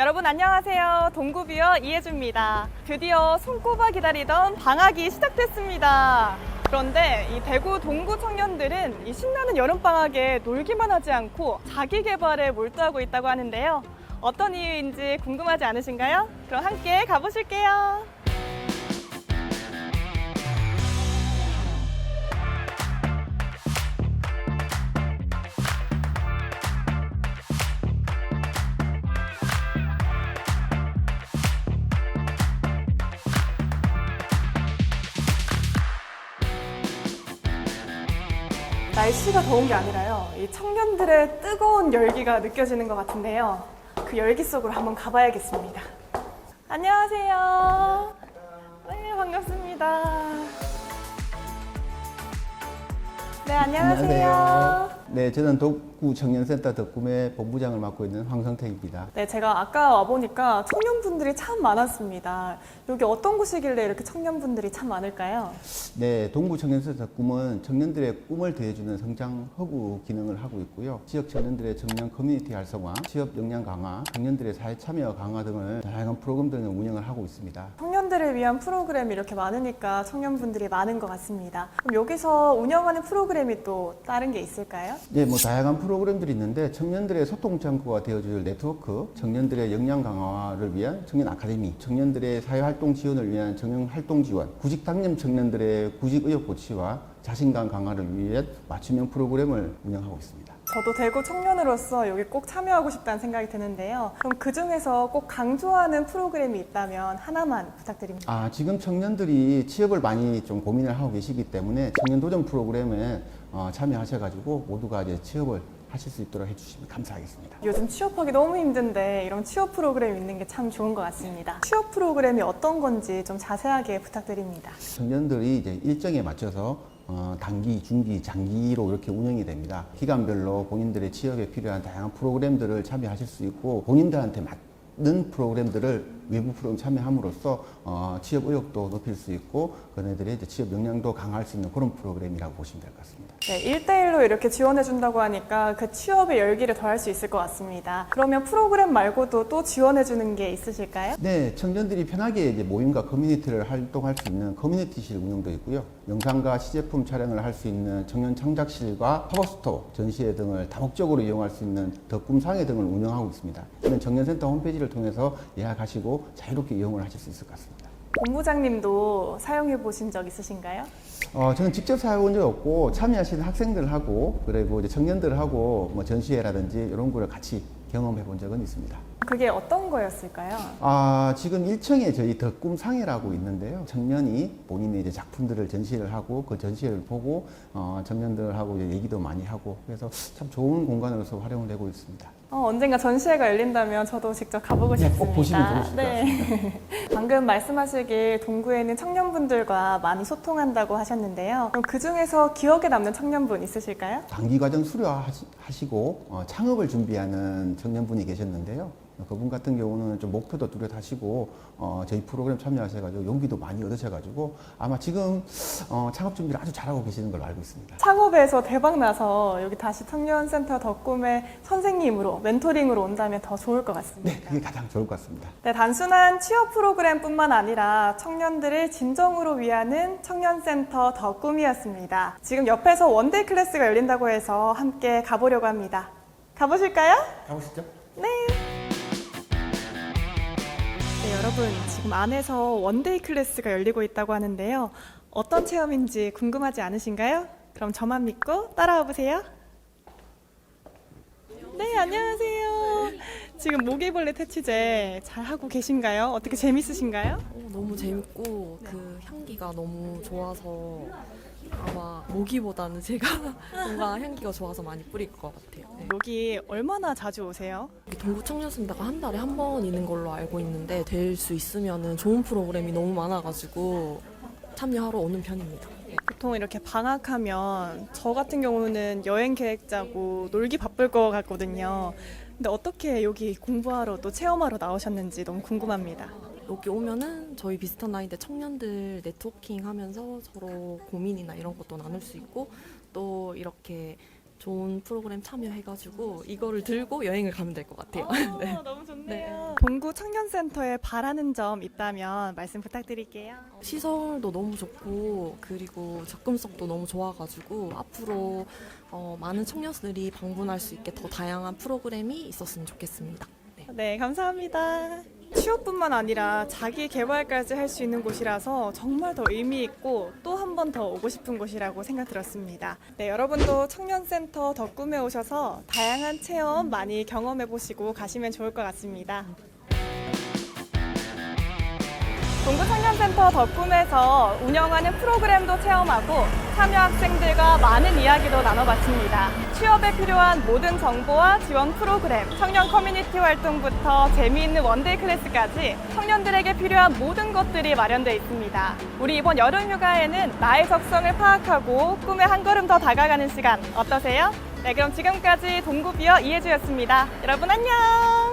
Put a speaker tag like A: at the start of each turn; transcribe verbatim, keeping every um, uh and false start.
A: 여러분 안녕하세요. 동구뷰어 이혜주입니다. 드디어 손꼽아 기다리던 방학이 시작됐습니다. 그런데 이 대구 동구 청년들은 이 신나는 여름방학에 놀기만 하지 않고 자기 개발에 몰두하고 있다고 하는데요. 어떤 이유인지 궁금하지 않으신가요? 그럼 함께 가보실게요. 날씨가 더운 게 아니라요. 이 청년들의 뜨거운 열기가 느껴지는 것 같은데요. 그 열기 속으로 한번 가봐야겠습니다. 안녕하세요. 네, 반갑습니다. 네, 안녕하세요.
B: 안녕하세요. 네, 저는 동구 청년센터 덕구매 본부장을 맡고 있는 황성택입니다.
A: 네, 제가 아까 와보니까 청년분들이 참 많았습니다. 여기 어떤 곳이길래 이렇게 청년분들이 참 많을까요?
B: 네, 동구 청년센터 덕구는 청년들의 꿈을 더해주는 성장 허브 기능을 하고 있고요. 지역 청년들의 청년 커뮤니티 활성화, 취업 역량 강화, 청년들의 사회 참여 강화 등을 다양한 프로그램들을 운영을 하고 있습니다.
A: 청년들을 위한 프로그램이 이렇게 많으니까 청년분들이 많은 것 같습니다. 그럼 여기서 운영하는 프로그램이 또 다른 게 있을까요?
B: 네, 뭐 다양한 프로그램들이 있는데 청년들의 소통 창구가 되어줄 네트워크, 청년들의 역량 강화를 위한 청년 아카데미, 청년들의 사회활동 지원을 위한 청년 활동 지원, 구직 당념 청년들의 구직 의욕 고취와 자신감 강화를 위한 맞춤형 프로그램을 운영하고 있습니다.
A: 저도 대구 청년으로서 여기 꼭 참여하고 싶다는 생각이 드는데요. 그럼 그 중에서 꼭 강조하는 프로그램이 있다면 하나만 부탁드립니다.
B: 아, 지금 청년들이 취업을 많이 좀 고민을 하고 계시기 때문에 청년 도전 프로그램에 어, 참여하셔가지고 모두가 이제 취업을 하실 수 있도록 해주시면 감사하겠습니다.
A: 요즘 취업하기 너무 힘든데 이런 취업 프로그램 있는 게 참 좋은 것 같습니다. 취업 프로그램이 어떤 건지 좀 자세하게 부탁드립니다.
B: 청년들이 이제 일정에 맞춰서 어, 단기, 중기, 장기로 이렇게 운영이 됩니다. 기간별로 본인들의 취업에 필요한 다양한 프로그램들을 참여하실 수 있고 본인들한테 맞는 프로그램들을 외부 프로그램 참여함으로써 어, 취업 의욕도 높일 수 있고 그네들의 이제 취업 역량도 강화할 수 있는 그런 프로그램이라고 보시면 될 것 같습니다.
A: 네, 일 대일로 이렇게 지원해준다고 하니까 그 취업의 열기를 더할 수 있을 것 같습니다. 그러면 프로그램 말고도 또 지원해주는 게 있으실까요?
B: 네, 청년들이 편하게 이제 모임과 커뮤니티를 활동할 수 있는 커뮤니티실 운영도 있고요. 영상과 시제품 촬영을 할 수 있는 청년 창작실과 팝업스토어, 전시회 등을 다목적으로 이용할 수 있는 덕꿈상회 등을 운영하고 있습니다. 이는 청년센터 홈페이지를 통해서 예약하시고 자유롭게 이용을 하실 수 있을 것 같습니다.
A: 본부장님도 사용해 보신 적 있으신가요?
B: 어, 저는 직접 사용한 적 없고 참여하시는 학생들하고 그리고 이제 청년들하고 뭐 전시회라든지 이런 거를 같이 경험해 본 적은 있습니다.
A: 그게 어떤 거였을까요?
B: 아, 지금 일 층에 저희 덕꿈상회라고 있는데요. 청년이 본인의 이제 작품들을 전시를 하고 그 전시회를 보고 어, 청년들하고 이제 얘기도 많이 하고 그래서 참 좋은 공간으로서 활용을 되고 있습니다.
A: 어, 언젠가 전시회가 열린다면 저도 직접 가보고
B: 네,
A: 싶습니다.
B: 꼭 보시면 좋으실 것
A: 네. 방금 말씀하시길 동구에는 청년분들과 많이 소통한다고 하셨는데요. 그럼 그 중에서 기억에 남는 청년분 있으실까요?
B: 단기과정 수료하시고 어, 창업을 준비하는 청년분이 계셨는데요. 그분 같은 경우는 좀 목표도 뚜렷하시고 어, 저희 프로그램 참여하셔가지고 용기도 많이 얻으셔가지고 아마 지금 어, 창업 준비를 아주 잘하고 계시는 걸로 알고 있습니다.
A: 창업에서 대박 나서 여기 다시 청년센터 덕꿈의 선생님으로 멘토링으로 온다면 더 좋을 것 같습니다.
B: 네, 그게 가장 좋을 것 같습니다.
A: 네, 단순한 취업 프로그램뿐만 아니라 청년들을 진정으로 위하는 청년센터 덕꿈이었습니다. 지금 옆에서 원데이 클래스가 열린다고 해서 함께 가보려고 합니다. 가보실까요?
B: 가보시죠.
A: 네. 네, 여러분 지금 안에서 원데이 클래스가 열리고 있다고 하는데요. 어떤 체험인지 궁금하지 않으신가요? 그럼 저만 믿고 따라와 보세요. 네, 안녕하세요. 지금 모기벌레 퇴치제 잘 하고 계신가요? 어떻게 재밌으신가요?
C: 어, 너무 재밌고 그 향기가 너무 좋아서 아마 모기보다는 제가 뭔가 향기가 좋아서 많이 뿌릴 것 같아요. 네.
A: 여기 얼마나 자주 오세요?
C: 여기 동구 청년센터가 한 달에 한 번 있는 걸로 알고 있는데 될 수 있으면 좋은 프로그램이 너무 많아가지고 참여하러 오는 편입니다.
A: 보통 이렇게 방학하면 저 같은 경우는 여행 계획 짜고 놀기 바쁠 것 같거든요. 근데 어떻게 여기 공부하러 또 체험하러 나오셨는지 너무 궁금합니다.
C: 여기 오면은 저희 비슷한 나이대 청년들 네트워킹 하면서 서로 고민이나 이런 것도 나눌 수 있고 또 이렇게 좋은 프로그램 참여해가지고 이거를 들고 여행을 가면 될 것 같아요.
A: 아,
C: 네.
A: 너무 좋네요.
C: 네.
A: 동구 청년센터에 바라는 점 있다면 말씀 부탁드릴게요.
C: 시설도 너무 좋고 그리고 접근성도 너무 좋아가지고 앞으로 어, 많은 청년들이 방문할 수 있게 더 다양한 프로그램이 있었으면 좋겠습니다. 네.
A: 네, 감사합니다. 취업뿐만 아니라 자기 개발까지 할 수 있는 곳이라서 정말 더 의미 있고 또 한 번 더 오고 싶은 곳이라고 생각 들었습니다. 네, 여러분도 청년센터 덕꿈에 오셔서 다양한 체험 많이 경험해 보시고 가시면 좋을 것 같습니다. 동구청년센터 덕꿈에서 운영하는 프로그램도 체험하고 참여 학생들과 많은 이야기도 나눠봤습니다. 취업에 필요한 모든 정보와 지원 프로그램, 청년 커뮤니티 활동부터 재미있는 원데이 클래스까지 청년들에게 필요한 모든 것들이 마련되어 있습니다. 우리 이번 여름 휴가에는 나의 적성을 파악하고 꿈에 한 걸음 더 다가가는 시간 어떠세요? 네, 그럼 지금까지 동구비어 이혜주였습니다. 여러분 안녕!